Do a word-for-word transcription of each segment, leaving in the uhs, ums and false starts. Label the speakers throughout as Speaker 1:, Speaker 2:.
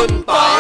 Speaker 1: คุณปอย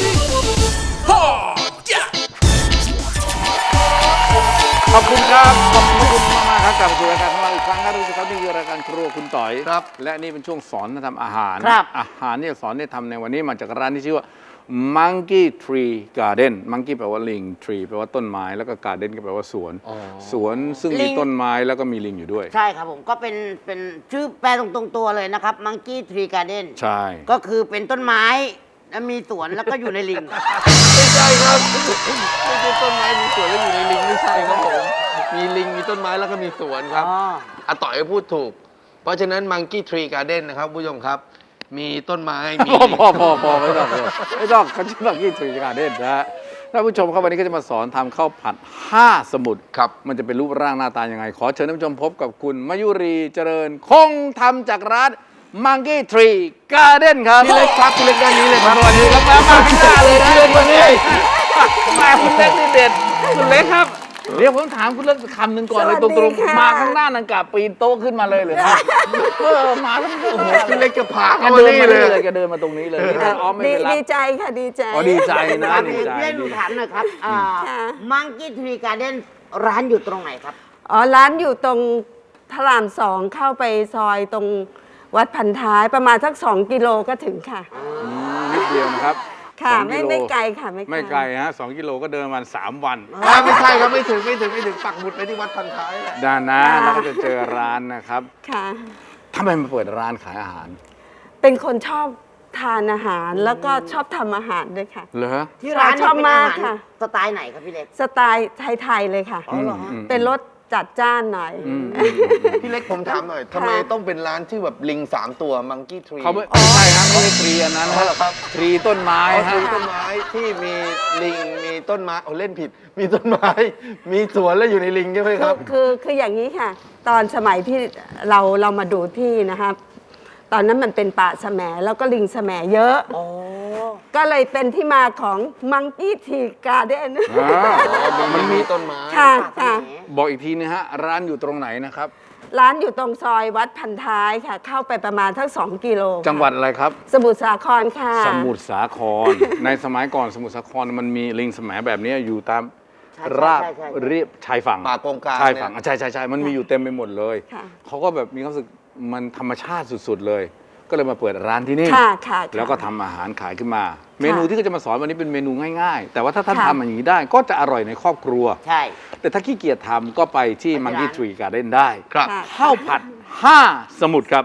Speaker 1: ขอบคุณครับขอบคุณมากมากครับกลับมาสู่รายการของเราอีกครั้งครับทุกท่านครับนี่คือรายการครัวคุณต่อยครับและนี่เป็นช่วงสอนทำอาหารครับอาหารที่สอนที่ทำในวันนี้มาจากร้านที่ชื่อว่า Monkey Tree Garden Monkey แปลว่าลิง Tree แปลว่าต้นไม้แล้วก็ Garden ก็แปลว่าสวนสวนซึ่งมีต้นไม้แล้วก็มีลิงอยู่ด้วย
Speaker 2: ใช่ครับผมก็เป็นเป็นชื่อแปลตรงๆตัวเลยนะครับ Monkey Tree Garden
Speaker 1: ใช่
Speaker 2: ก็คือเป็นต้นไม้แล้วมีสวนแล้วก็อยู่ในลิง
Speaker 3: ไม่ใช่ครับไม่ใช่ต้นไม้มีสวนแล้วอยู่ในลิงไม่ใช่ครับผมมีลิงมีต้นไม้แล้วก็มีสวนครับอาต่อยพูดถูกเพราะฉะนั้น Monkey Tree Garden นะครับผู้ชมครับมีต้นไม้มี
Speaker 1: พอพอพอไม่ต้องไม่ต้องเขาชื่อ Monkey Tree Garden นะฮะท่านผู้ชมครับวันนี้ก็จะมาสอนทำข้าวผัดห้าสมุทรครับมันจะเป็นรูปร่างหน้าตายังไงขอเชิญท่านผู้ชมพบกับคุณมยุรีเจริญคงทำจากร้าน Monkey Tree Garden ครับ
Speaker 3: พี่เล็กครับพี่เล็กด้านนี้เลยครับ
Speaker 1: สวัสดีครับมามาข้างหน้าเลยนะวันนี้มาคุณเล็กนี่เด็ดคุณเล็กครับเดี๋ยวผมถามคุณเล็กคำหนึ่งก่อนเลยตรงๆมาข้างหน้านังกะปีนโต๊ะขึ้นมาเลยเหรอครับเออมาแล้วโอ้โห
Speaker 3: พี่เล็กจะพา
Speaker 1: เขา
Speaker 3: มานี่เลย
Speaker 1: แกเดินมาตรงนี้เลยนี่ถ้าอ้อมไม่เป็นไร
Speaker 4: ดีใจค่ะดีใจ
Speaker 1: อ๋อดีใจนะดีใจ
Speaker 2: พี่หนูถามหน่อยครับ Monkey Tree Garden ร้านอยู่ตรงไหนครับ
Speaker 4: อ๋อร้านอยู่ตรงพระรามสองเข้าไปซอยตรงวัดพันท้ายประมาณสักสองกิโลก็ถึงค่ะ
Speaker 1: นิดเดียวนะครับ
Speaker 4: ค่ะไม่ไม่ไกลค่ะ
Speaker 1: ไม่ไกลฮะสองกิโลก็เดินวันสามวัน
Speaker 3: ไม่ใช่ครับไม่ถึงไม่ถึงไม่ถึงปักหมุดไปที่วัดพันท้ายแหละ
Speaker 1: ด้านนะแล้วก็จะเจอร้านนะครับ
Speaker 4: ค่ะ
Speaker 1: ทำไมมาเปิดร้านขายอาหาร
Speaker 4: เป็นคนชอบทานอาหารแล้วก็ชอบทำอาหารด้วยค่ะ
Speaker 1: เหรอ
Speaker 2: ที่ร้านชอบมากค่ะสไตล์ไหนครับพี่เล็ก
Speaker 4: สไตล์ไทยๆเลยค่ะเป็นรสจัดจ้านหน่อย
Speaker 3: พี่เล็กผมถามหน่อยทำไมต้องเป็นร้านที่แบบลิงสามตัว Monkey Tree
Speaker 1: เขาไม่ใช่ครับไม่ใช่ทรีอันนั้นนะครับทรีต้นไม้
Speaker 3: ทรีต้นไม้ที่มีลิงมีต้นไม้โอ้เล่นผิดมีต้นไม้มีสวนแล้วอยู่ในลิงใช่ไหมครับ
Speaker 4: คือคืออย่างนี้ค่ะตอนสมัยที่เราเรามาดูที่นะครับตอนนั้นมันเป็นป่าแสมแล้วก็ลิงแสมเยอะก็เลยเป็นที่มาของ Monkey Tree Garden
Speaker 3: มันมีต้นไม้
Speaker 4: ค่ะค่ะ
Speaker 1: บอกอีกทีนะฮะร้านอยู่ตรงไหนนะครับ
Speaker 4: ร้านอยู่ตรงซอยวัดพันท้ายค่ะเข้าไปประมาณทั้งสองกิโล
Speaker 1: จังหวัดอะไรครับ
Speaker 4: สมุทรสาครค่ะ
Speaker 1: สมุทรสาครในสมัยก่อนสมุทรสาครมันมีลิงแสมแบบนี้อยู่ตามราบเรียบชายฝั่ง
Speaker 3: ป่ากงกลาง
Speaker 1: ชายฝั่งใช่ใช่ใช่มันมีอยู่เต็มไปหมดเลยเขาก็แบบมีความรู้สึกมันธรรมชาติสุดๆเลยก็เลยมาเปิดร้านที่นี่แล้วก็ทำอาหารขายขึ้นมาเมนูที่ก็จะมาสอนวันนี้เป็นเมนูง่ายๆแต่ว่าถ้าท่านทำอย่างนี้ได้ก็จะอร่อยในครอบครัว
Speaker 2: ใช่
Speaker 1: แต่ถ้าขี้เกียจทำก็ไปที่ Monkey Tree Garden ได้ครับข้าวผัดห้าสมุทรครับ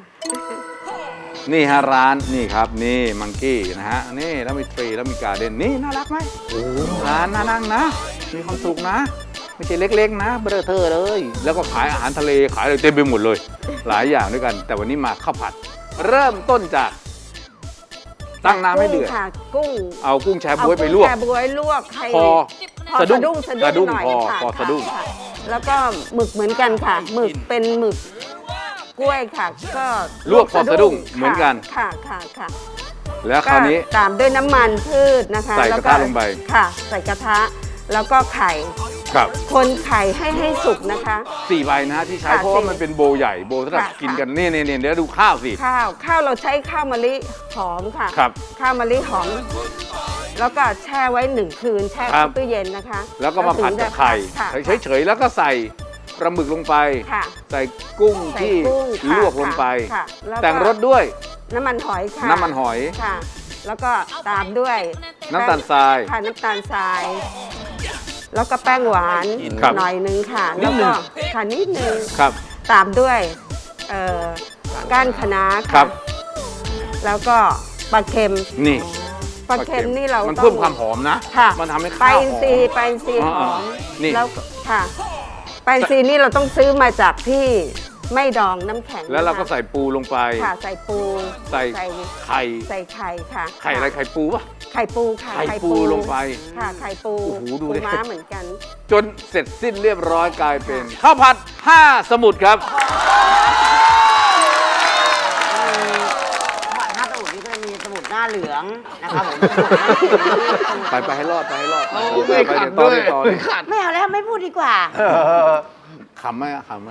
Speaker 1: นี่ฮะร้านนี่ครับนี่มังกี้นะฮะนี่แล้วมีทรีแล้วมีการ์เด้นนี่น่ารักไหมร้านน่านั่งนะมีความสุขนะไม่ใช่เล็กๆนะเบอร์เธอเลยแล้วก็ขายอาหารทะเลขายอะไรเต็มไปหมดเลยหลายอย่างด้วยกันแต่วันนี้มาข้าวผัดเริ่มต้นจากตั้งน้ำให้เดือด
Speaker 4: กุ้ง
Speaker 1: เอากุ้งแชบ๊วยไปลวก
Speaker 4: แชบ๊วยลวกให้
Speaker 1: พอสะดุ้ง
Speaker 4: สะดุ้งหน่อย
Speaker 1: พอสะดุ้ง
Speaker 4: แล้วก็หมึกเหมือนกันค่ะหมึกเป็นหมึกกล้วยค่ะก็
Speaker 1: ลวกพอสะดุ้งเหมือนกัน
Speaker 4: ค่ะค่ะค่ะ
Speaker 1: แล้วคราวนี้
Speaker 4: ตามด้วยน้ำมันพืชนะคะ
Speaker 1: ใส่กระทะลงไป
Speaker 4: ค่ะใส่กระทะแล้วก็ไข่
Speaker 1: ครับ
Speaker 4: คนไข่ให้ให้สุกนะคะ
Speaker 1: สี่ใบนะฮะที่ใช้เพราะว่ามันเป็นโบใหญ่โบสำหรับกินกันนี่นี่นี่เดี๋ยวดูข้าวสิ
Speaker 4: ข้าวข้าวเราใช้ข้าวมะลิหอมค่ะ
Speaker 1: ครับ
Speaker 4: ข้าวมะลิหอมแล้วก็แช่ไว้หนึ่งคืนแช่ตู้เย็นนะคะ
Speaker 1: แล้วก็มาผัดกับไข่เฉยๆแล้วก็ใส่ปลาหมึกลงไปใส่กุ้งที่ลวกลงไปแต่งรสด้วย
Speaker 4: น้ำมันหอยค่ะ
Speaker 1: น้ำมันหอย
Speaker 4: ค่ะแล้วก็ตามด้วย
Speaker 1: น้ำตาลทราย
Speaker 4: ค่ะน้ำตาลทรายแล้วก็แป้งหวานหน่อยนึงค่ะแล้วก็ค่ะนิดนึงตามด้วยก้านคะน้าค่ะแล้วก็ปลาเค็ม
Speaker 1: นี่
Speaker 4: ปลาเค็มนี่เรา
Speaker 1: มันเพิ่มความหอมนะมันทำให้ข้าวหอม
Speaker 4: ไปซีไปซีหอมแล้วค่ะไปซีนี่เราต้องซื้อมาจากที่ไม่ดองน้ำแข็ง
Speaker 1: แล้วเราก็ใส่ปูลงไป
Speaker 4: ค่ะใส่ปู
Speaker 1: ใส่ไข่
Speaker 4: ใส่ไข่ค่ะ
Speaker 1: ไข่อะไรไข่ปูปะ
Speaker 4: ไข่ปูค่ะ
Speaker 1: ไข่ปูลงไป
Speaker 4: ค่ะไข่ปู
Speaker 1: ปู
Speaker 4: ม้าเหมือนกัน
Speaker 1: จนเสร็จสิ้นเรียบร้อยกลายเป็นข้าวผัดห้าสมุทรครับ
Speaker 2: ห้าสมุทรนี่ก็จะมีสมุทรหน้าเหลืองนะครับผม
Speaker 1: ไปไปให้รอดไปให้รอด
Speaker 3: ไปเดี๋ยวต่อเลยต่อเลย
Speaker 2: ไม่เอาแล้วไม่พูดดีกว่า
Speaker 1: ขำไหมขำไหม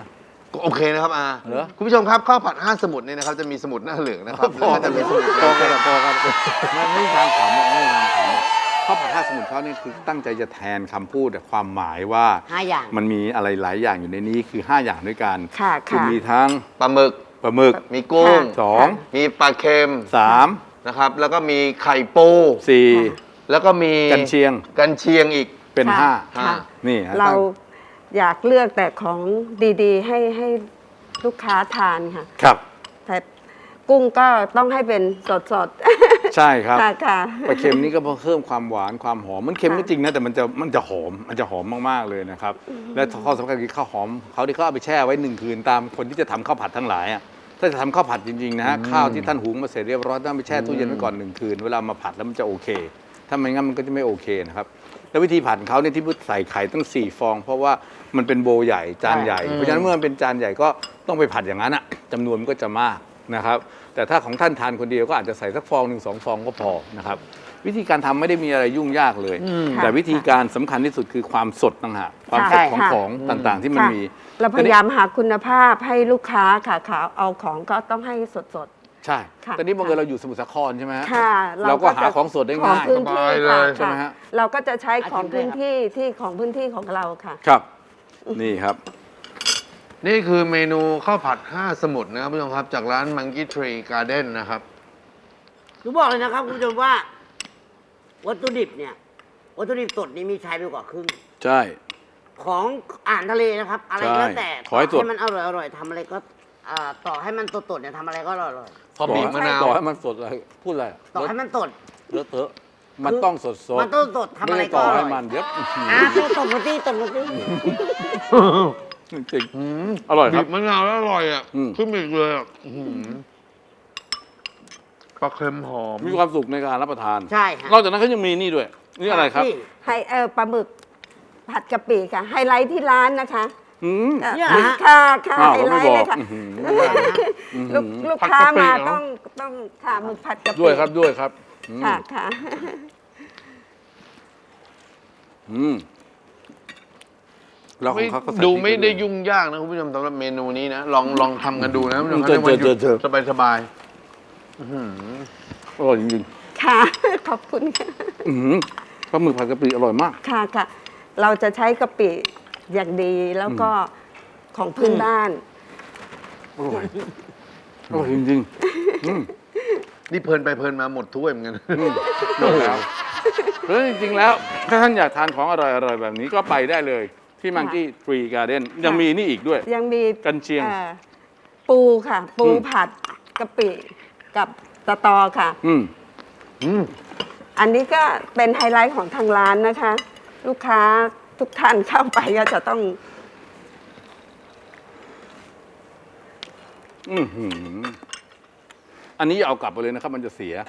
Speaker 3: โอเคนะครับอา
Speaker 1: เหรอ
Speaker 3: คุณผู้ชมครับข้าวผัดห้าสมุดเนี่ยนะครับจะมีสมุดหน้าเหลืองนะครับ
Speaker 1: พอ
Speaker 3: แล้วก็จะมีสมุด
Speaker 1: พอกันพอกันมันไม่มีทางขำไม่มีทางขำข้าวผัดห้าสมุนเขานี่คือตั้งใจจะแทนคำพูดแต่ความหมายว่า
Speaker 2: ห้าอย่าง
Speaker 1: มันมีอะไรหลายอย่างอยู่ในนี้คือห้าอย่างด้วยกัน
Speaker 4: ค่ะ
Speaker 1: คือ
Speaker 4: ค่ะ
Speaker 1: มีทั้ง
Speaker 3: ปลาหมึก
Speaker 1: ปลาหมึก
Speaker 3: มีกุ้ง
Speaker 4: ค่ะ
Speaker 1: สอง
Speaker 3: มีปลาเค็ม
Speaker 1: สาม
Speaker 3: นะครับ แล้วก็มีไข่ปู
Speaker 1: สี่
Speaker 3: แล้วก็มี
Speaker 1: กันเชียง
Speaker 3: กันเชียงอีก
Speaker 1: เป็น
Speaker 4: ค่ะ
Speaker 1: ห้า
Speaker 4: ค่ะ
Speaker 1: นี่ฮะ
Speaker 4: เรา
Speaker 1: ตั้ง
Speaker 4: อยากเลือกแต่ของดีๆ ให้ให้ลูกค้าทานค่ะ
Speaker 1: ครับ
Speaker 4: แต่กุ้งก็ต้องให้เป็นสดๆ
Speaker 1: ใช่ครับ
Speaker 4: ค่ะค่ะ
Speaker 1: ปลาเค็มนี่ก็เพิ่มความหวานความหอมมันเค็ม
Speaker 4: ค่ะ
Speaker 1: ก็จริงนะแต่มันจะมันจะหอมมันจะหอมมากๆเลยนะครับและข้อสำคัญคือข้าวหอมเขาที่เขาเอาไปแช่ไว้หนึ่งคืนตามคนที่จะทำข้าวผัดทั้งหลายอ่ะถ้าจะทำข้าวผัดจริงๆนะฮะข้าวที่ท่านหุงมาเสร็จเรียบร้อยต้องไปแช่ตู้เย็นไว้ก่อนหนึ่งคืนเวลามาผัดแล้วมันจะโอเค ถ้าไม่งั้นมันก็จะไม่โอเคนะครับแล้ววิธีผัดของเขาเนี่ยที่พูดใส่ไข่ตั้งสี่ฟอง เพราะว่ามันเป็นโบใหญ่จานใหญ่เพราะฉะนั้นเมื่อมันเป็นจานใหญ่ก็ต้องไปผัดอย่างนั้นอ่ะจำนวนมันก็จะมากนะครับแต่ถ้าของท่านทานคนเดียวก็อาจจะใส่สักฟองหนึ่งสองฟองก็พอนะครับวิธีการทำไม่ได้มีอะไรยุ่งยากเลย แต่วิธีการสำคัญที่สุดคือความสดต่างหากความสดของ
Speaker 4: ค่ะ
Speaker 1: ของต่างๆที่มัน
Speaker 4: ค่ะ
Speaker 1: มี
Speaker 4: เราพยายามหาคุณภาพให้ลูกค้าค่ะค่ะเอาของก็ต้องให้สด
Speaker 1: ใช่
Speaker 4: ค่ะ
Speaker 1: ตอนนี้บังเอิญเราอยู่สมุทรสาครใช่ไหมฮะ
Speaker 4: ๆ ค่ะ
Speaker 1: เราก็หาของสดได้ง่าย
Speaker 4: ของพื้นที่
Speaker 3: สบายเล
Speaker 4: ค่ะ
Speaker 3: ย
Speaker 1: ใช่ไหมฮะ
Speaker 4: เราก็จะใช้ของพื้นที่ที่ของพื้นที่ของเราค่ะ
Speaker 1: ครับ นี่ครับ
Speaker 3: นี่คือเมนูข้าวผัดห้าสมุดนะครับผู้ชมครับจากร้าน Monkey Tree Garden นะครับ
Speaker 2: หนูบอกเลยนะครับคุณผู้ชมว่า วัตถุดิบเนี่ย วัตถุดิบสดนี่มีใช้ไปกว่าครึ่ง
Speaker 1: ใช่
Speaker 2: ของอาหารทะเลนะครับ อะไรก็แล้วแต่
Speaker 1: ใช่ขอให้สด
Speaker 2: ต่มันอร่อยอร่อยทำอะไรก็อ่าต่อให้มันสดๆเนี่ยทำอะไรก็อร่อยอร่อย
Speaker 3: พอบีบมะนาว
Speaker 1: ต่อให้มันสดอะไรพูดอะไร
Speaker 2: ต่อให้มันสด
Speaker 1: เลอะเทอะมันต้องสดสด
Speaker 2: มันต้องสดทำอะไร
Speaker 1: ม่ด้
Speaker 2: ก็
Speaker 1: ต่อ
Speaker 2: อร่
Speaker 1: ให้
Speaker 2: อย
Speaker 1: มันเดี๋ยวอื้อหือ
Speaker 2: อ่าตัวตบมาที่ตบมาที่
Speaker 1: จริงๆอร่อยค
Speaker 3: บี
Speaker 1: รับ
Speaker 3: บมะนาวแล้วอร่อยอ่ะ
Speaker 1: อืม
Speaker 3: ขึ้นอีกเลยอ่ะอื้อหือปลาเค็มหอม
Speaker 1: มีความสุขในการรับประทาน
Speaker 2: ใช่ฮะ
Speaker 1: นอกจากนั้นเขายังมีนี่ด้วย นี่อะไรครับ
Speaker 2: นี่
Speaker 4: ให้เออปลาหมึกผัดกะปิค่ะไฮไลท์ที่ร้านนะคะ
Speaker 1: อืม
Speaker 4: เอ่อ
Speaker 2: เนี่ยเหรอฮะ
Speaker 4: ค่ะค่ะ
Speaker 1: อ้าว
Speaker 4: ไฮ
Speaker 1: เรา
Speaker 4: ไล
Speaker 1: ไม่
Speaker 4: ท์
Speaker 1: บ
Speaker 4: เล
Speaker 1: อก
Speaker 4: ยค่ะ
Speaker 1: อื้อหือ
Speaker 4: ลูกลูก
Speaker 3: ผัด
Speaker 4: ค้าก
Speaker 3: ะปิ
Speaker 4: มา
Speaker 3: เหรอ
Speaker 4: ต้องต้องค่ะหมึกผัดกะปิ
Speaker 1: ด้วยครับด้วยครับอืม
Speaker 4: ค่ะค่ะ
Speaker 1: อืมแล้วของเขาก็ใส่
Speaker 3: ดูไม่ได้
Speaker 1: พริก
Speaker 3: ยุ่งยากนะคุณผู้ชมสำหรับเมนูนี้นะ ลองลองทำกันดูนะคุณผู้ชม
Speaker 1: เจอ
Speaker 3: ในวันหยุด
Speaker 1: เจอเจอ
Speaker 3: สบายสบาย
Speaker 1: อร่อยจริง
Speaker 4: ค่ะ ขอบคุณค่ะ
Speaker 1: ๆอื้อหือปลาหมึกผัดกะปิอร่อยมาก
Speaker 4: ค่ะค่ะ เราจะใช้กะปิอย่างดีแล้วก็ของพื้นบ้าน
Speaker 1: อร่อยอร่อยจริงๆอืม
Speaker 3: ๆนี่เพลินไปเพลินมาหมดถ้วยเหมือนกัน
Speaker 1: หมดแล้วแล้วจริงๆแล้วถ้าท่านอยากทานของอร่อยๆแบบนี้ก็ไปได้เลยที่มังกี้ทรีการ์เด้นยังมีนี่อีกด้วย
Speaker 4: ยังมี
Speaker 1: กันเชียง
Speaker 4: อ่อปูค่ะ ปู
Speaker 1: อืม
Speaker 4: ผัดกะปิกับตะตอค่ะ
Speaker 1: อืม
Speaker 3: อืม
Speaker 4: อันนี้ก็เป็นไฮไลท์ของทางร้านนะคะ ลูกค้าทุกท่านเข้าไปก็จะต้อง
Speaker 1: อือหืออันนี้อย่าเอากลับไปเลยนะครับ มันจะเสีย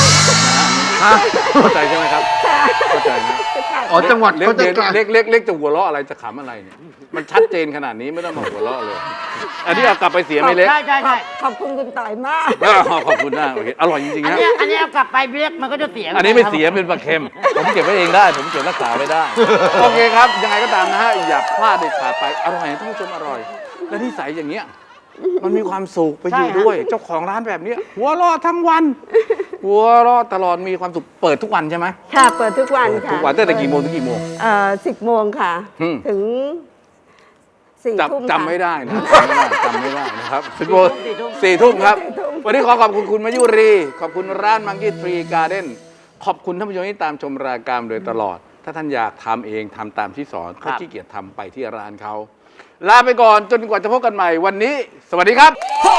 Speaker 1: เข้าใจใช่ไหมครับเข้าใจนะ
Speaker 3: อ๋อจังหวัด
Speaker 1: เล็ก
Speaker 3: เขาจะ
Speaker 1: เล็ก
Speaker 3: กลาง
Speaker 1: เล็กเล็กเล็กจะหัวเราะอะไรจะขำอะไรเนี่ยมันชัดเจนขนาดนี้ไม่ต้องมาหัวเราะเลย อันนี้เอากลับไปเสียไม่เล็ก
Speaker 2: ใช่ใช่ใช่
Speaker 4: ขอบคุณคุณต่อยมาก
Speaker 1: อ้าวขอบคุณนะโอเคอร่อยจริงๆ
Speaker 2: อัน
Speaker 1: นะ
Speaker 2: เนี้ยอันเนี้ยเอากลับไปเรียกมันก็จะเสีย
Speaker 1: อันนี้ไม่เสียเป็นปลาเค็ม ผมเก็บไว้เองได้ ผมเก็บรักษาไว้ได้ โอเคครับ ยังไงก็ตามนะฮะ อย่าพลาดเด็ดขาดไป อร่อยท่านผู้ชมอร่อย และนิสัยอย่างเงี้ย มันมีความสุขไปอยู่ด้วย เจ้าของร้านแบบเนี้ยหัวเราะทั้งวัน หัวเราะตลอดมีความสุข เปิดทุกวันใช่ไหม
Speaker 4: ค่ะ เปิดทุกวันค่ะ
Speaker 1: ทุกวันตั้งแต่กี่โมงถึงกี่โมง
Speaker 4: เอ่อสิบโมงค่ะ
Speaker 1: อืม
Speaker 4: ถึงสี่ทุ่ม
Speaker 1: จำจำไม่ได้นะจำไม่ได้จำไม่ได้นะครับสิบโมง
Speaker 2: สี่ทุ่ม
Speaker 1: สี่ทุ่มครับ
Speaker 4: สี่ทุ่ม
Speaker 1: วันนี้ขอขอบคุณคุณมายุรี ขอบคุณร้านมังกี้ทรีการ์เด้นขอบคุณท่านผู้ชมที่ตามชมรายการโดยตลอด ถ้าท่านอยากทำเองทำตามที่สอนก็ขี้เกียจทำไปที่ร้านเขาลาไปก่อนจนกว่าจะพบกันใหม่วันนี้ สวัสดีครับ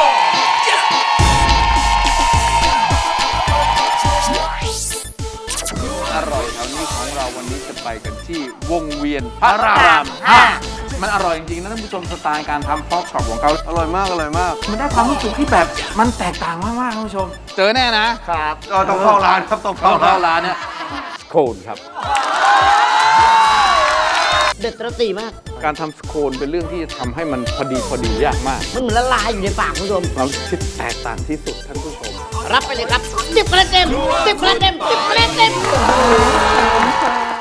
Speaker 1: อร่อยแถวนี้ของเราวันนี้จะไปกันที่วงเวียนพระรามห้ามันอร่อยจริงๆนะท่านผู้ชมสไตล์การทำพอกช็อปของเขาอร่อยมากอร่อยมาก มันได้ความรู้สึกที่แบบมันแตกต่างมากๆท่านผู้ชม เจอแน่นะครับ
Speaker 3: ก็ต้องเข้าร้านครับต้อง
Speaker 1: เข้า
Speaker 3: เข้าร้าน
Speaker 1: ร้านเนี่ยโคลนครับ
Speaker 2: เด็ดตระตีมาก
Speaker 1: การทำสโคนเป็นเรื่องที่ทำให้มันพอดีพอดียากมาก
Speaker 2: มันเหมือนละลายอยู่ในปากคุณผู้ชม
Speaker 1: ความคิดแตกต่างที่สุดท่านผู้ชม
Speaker 2: รับไปเลยครับสิบคะแนนเต็มสิบคะแนนเต็มสิบคะแนนเต็ม